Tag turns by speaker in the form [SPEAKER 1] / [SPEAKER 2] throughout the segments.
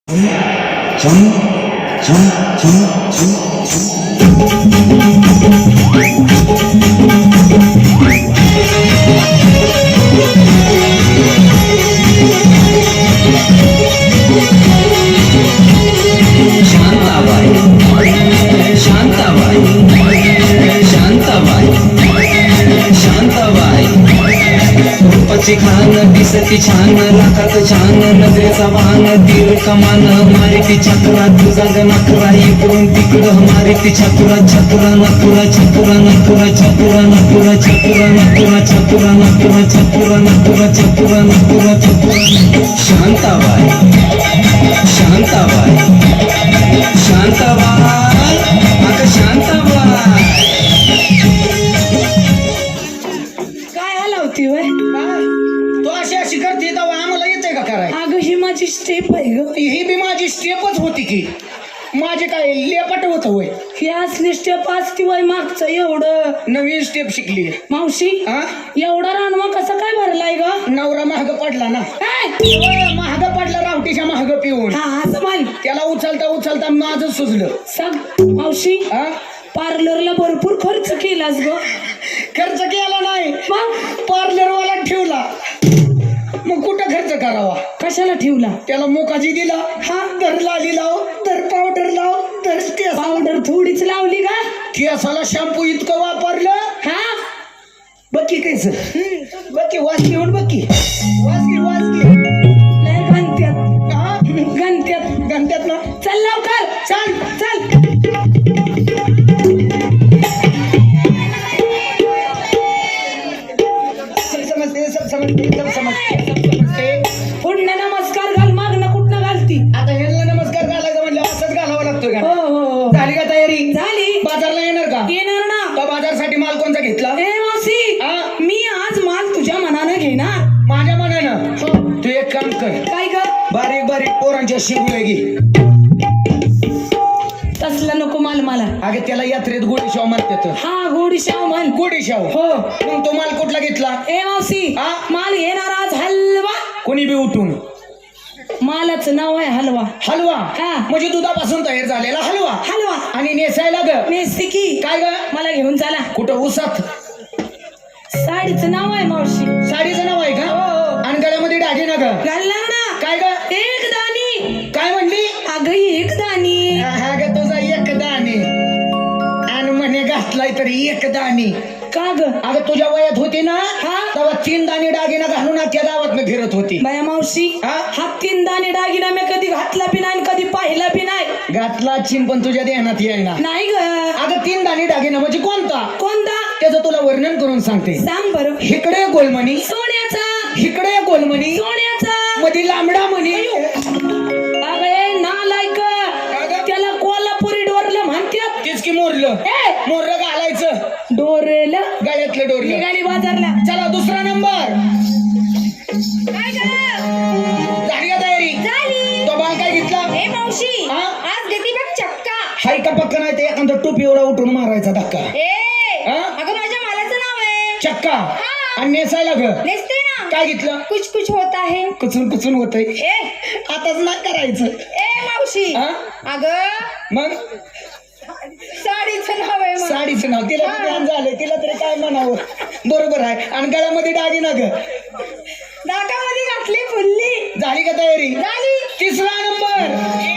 [SPEAKER 1] खान दिसती छान लाखात छान नजरेचा वाहन तीर कमान मारिती छात्रा तुझा नखरा इकडून तिकडं मारिती छात्रा छात्रा नखरा छात्रा नखरा छात्रा नखरा छात्रा नखरा छात्रा नखरा छात्रा नखरा छात्रा नखरा छात्रा शांताबाई शांताबाई शांताबाई अगं शांताबाई
[SPEAKER 2] काय हलावती वय
[SPEAKER 3] तो अशी करते तेव्हा आम्हाला येते का कराय?
[SPEAKER 2] अगं ही माझी स्टेप आहे ग.
[SPEAKER 3] ही बी माझी स्टेपच होती की माझे काय लेपट होत होय.
[SPEAKER 2] ही असली स्टेप असती वय मागचं एवढं.
[SPEAKER 3] नवीन स्टेप शिकली
[SPEAKER 2] मावशी
[SPEAKER 3] हा
[SPEAKER 2] एवढा रानवा कसा काय भरलाय ग?
[SPEAKER 3] नवरा महाग पडला ना महाग पडला रावटीच्या महाग पिऊन
[SPEAKER 2] हा असं मान
[SPEAKER 3] त्याला उचलता उचलता माझं सुजलं.
[SPEAKER 2] सग मावशी
[SPEAKER 3] हा
[SPEAKER 2] पार्लरला भरपूर खर्च केलास ग.
[SPEAKER 3] खर्च केला नाही
[SPEAKER 2] मग
[SPEAKER 3] पार्लरवाला ठेवला मग कुठं खर्च करावा?
[SPEAKER 2] कशाला ठेवला?
[SPEAKER 3] त्याला मोकाजी दिला हा दर लाली लाव दर पावडर लाव दर
[SPEAKER 2] पावडर थोडीच लावली का?
[SPEAKER 3] केसाला शॅम्पू इतकं वापरलं
[SPEAKER 2] हा
[SPEAKER 3] बक्की कायच बक्की वास घेऊन बक्की वास
[SPEAKER 2] लय गणत्यात गणत्यात
[SPEAKER 3] गणत्यात ना
[SPEAKER 2] चल लवकर
[SPEAKER 3] चल
[SPEAKER 2] चल. पुढनं नमस्कार घाल मागणं कुठनं घालती?
[SPEAKER 3] आता ह्याला नमस्कार घालायचा म्हणजे असंच घालावा लागतोय
[SPEAKER 2] हो
[SPEAKER 3] का?
[SPEAKER 2] हो
[SPEAKER 3] झाली का तयारी?
[SPEAKER 2] झाली.
[SPEAKER 3] बाजारला येणार का?
[SPEAKER 2] येणार ना.
[SPEAKER 3] तो बाजारसाठी माल कोणता घेतला?
[SPEAKER 2] ए मावशी
[SPEAKER 3] हा?
[SPEAKER 2] मी आज माल तुझ्या मनानं घेणार.
[SPEAKER 3] माझ्या मनानं तू एक काम कर
[SPEAKER 2] काय कर?
[SPEAKER 3] बारीक बारीक पोरांच्या शिगुळे घे.
[SPEAKER 2] तसला नको माल मला.
[SPEAKER 3] अगे त्याला यात्रेत गोडीशाव म्हणतात.
[SPEAKER 2] हा गोडी शाव म्हण.
[SPEAKER 3] गोडीशाव
[SPEAKER 2] हो.
[SPEAKER 3] मग तो माल कुठला घेतला?
[SPEAKER 2] ए मावशी
[SPEAKER 3] हा?
[SPEAKER 2] माल घेणार आज हलवा.
[SPEAKER 3] कोणी बी उठून
[SPEAKER 2] मालाचं नाव आहे हलवा.
[SPEAKER 3] हलवा
[SPEAKER 2] हा.
[SPEAKER 3] म्हणजे दुधापासून तयार झालेला हलवा.
[SPEAKER 2] हलवा
[SPEAKER 3] आणि नेसायला ग
[SPEAKER 2] नेसते की
[SPEAKER 3] काय ग?
[SPEAKER 2] मला घेऊन चला.
[SPEAKER 3] कुठं उसात?
[SPEAKER 2] साडीचं नाव आहे मावशी.
[SPEAKER 3] साडीचं नाव आहे का?
[SPEAKER 2] हो.
[SPEAKER 3] आणि गळ्यामध्ये दागिना ना ग
[SPEAKER 2] घालणार ना.
[SPEAKER 3] काय ग?
[SPEAKER 2] एक दाणी.
[SPEAKER 3] काय म्हणली?
[SPEAKER 2] अगं एक दाणी.
[SPEAKER 3] हा ग तुझा एक दाणी आणि म्हणे घातलाय तरी एक दाणी.
[SPEAKER 2] का ग?
[SPEAKER 3] अगं तुझ्या वयात होती ना
[SPEAKER 2] हा?
[SPEAKER 3] तेव्हा 3 दाणे दागिना घालून त्या गावात फिरत होती.
[SPEAKER 2] बाया मावशी
[SPEAKER 3] हा?
[SPEAKER 2] हा 3 दाणे दागिना मी कधी घातला बी नाही कधी पाहिला बी नाही.
[SPEAKER 3] घातला चिन पण तुझ्या ध्यानात येईना.
[SPEAKER 2] नाही ग.
[SPEAKER 3] अगं 3 दाणे दागिना म्हणजे कोणता?
[SPEAKER 2] कोणता?
[SPEAKER 3] त्याचं तुला वर्णन करून सांगते.
[SPEAKER 2] सांग बरं.
[SPEAKER 3] इकडे गोलमणी
[SPEAKER 2] सोन्याचा.
[SPEAKER 3] इकडे गोलमणी
[SPEAKER 2] सोन्याचा.
[SPEAKER 3] मध्ये लांबडा मणी.
[SPEAKER 2] अगं नालायक त्याला कोल्हापुरी डोरलं म्हणतात.
[SPEAKER 3] तेच की मोरलं मोरलं घालायचं
[SPEAKER 2] डोरेला
[SPEAKER 3] गळ्यातलं डोरलं.
[SPEAKER 2] निघाली बाजारला.
[SPEAKER 3] चला दुसरा नंबर.
[SPEAKER 2] काय ग?
[SPEAKER 3] झाली का तयारी?
[SPEAKER 2] झाली.
[SPEAKER 3] तो बाल काय घेतला?
[SPEAKER 2] ए मावशी
[SPEAKER 3] हा?
[SPEAKER 2] आज देती बघ चक्का.
[SPEAKER 3] हाय का पक्का नाही ते एखादा टोपी एवढा उठून मारायचा धक्का.
[SPEAKER 2] ए
[SPEAKER 3] हा?
[SPEAKER 2] अगं माझ्या मालाचं नाव आहे
[SPEAKER 3] चक्का.
[SPEAKER 2] हा.
[SPEAKER 3] आणि नेसायला ग
[SPEAKER 2] नेसते ना.
[SPEAKER 3] काय घेतलं?
[SPEAKER 2] कुछ कुछ होता है.
[SPEAKER 3] कुचून कुचून होतंय.
[SPEAKER 2] ए
[SPEAKER 3] आताच ना करायचं.
[SPEAKER 2] ए मावशी
[SPEAKER 3] हा?
[SPEAKER 2] अगं
[SPEAKER 3] मग
[SPEAKER 2] साडीचं नाव आहे
[SPEAKER 3] साडीचं नाव तिला ज्ञान झालंय तिला तरी काय म्हणावं. बरोबर आहे. आणि गळ्यामध्ये दागिना ग
[SPEAKER 2] नाकामध्ये घातली फुल्ली.
[SPEAKER 3] झाली का तयारी?
[SPEAKER 2] झाली.
[SPEAKER 3] तिसरा नंबर.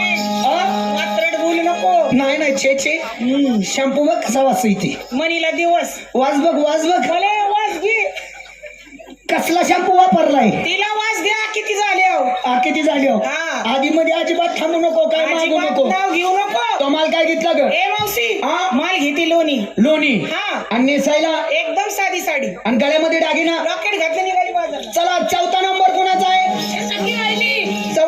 [SPEAKER 2] वात्रट बोलू नको.
[SPEAKER 3] नाही नाही छे छे शॅम्पू बघ कसा वास येते.
[SPEAKER 2] मनीला दिवस.
[SPEAKER 3] वास बघ वास बघ.
[SPEAKER 2] मला वास घे.
[SPEAKER 3] कसला शॅम्पू वापरलाय?
[SPEAKER 2] तिला वास द्या. किती झाले
[SPEAKER 3] किती झाली हो?
[SPEAKER 2] हा.
[SPEAKER 3] आधी मध्ये अजिबात थांबू नको काय मागू नको.
[SPEAKER 2] नाव घेऊ नको.
[SPEAKER 3] तो माल काय घेतला ग?
[SPEAKER 2] ए मावशी
[SPEAKER 3] हा?
[SPEAKER 2] माल घेते लोणी.
[SPEAKER 3] लोणी.
[SPEAKER 2] हा.
[SPEAKER 3] आणि नेसायला
[SPEAKER 2] एकदम साधी साडी.
[SPEAKER 3] आणि गळ्यामध्ये दागिना.
[SPEAKER 2] रॉकेट घातलं निघाली बाजारला.
[SPEAKER 3] चला 4था नंबर कोणाचा आहे?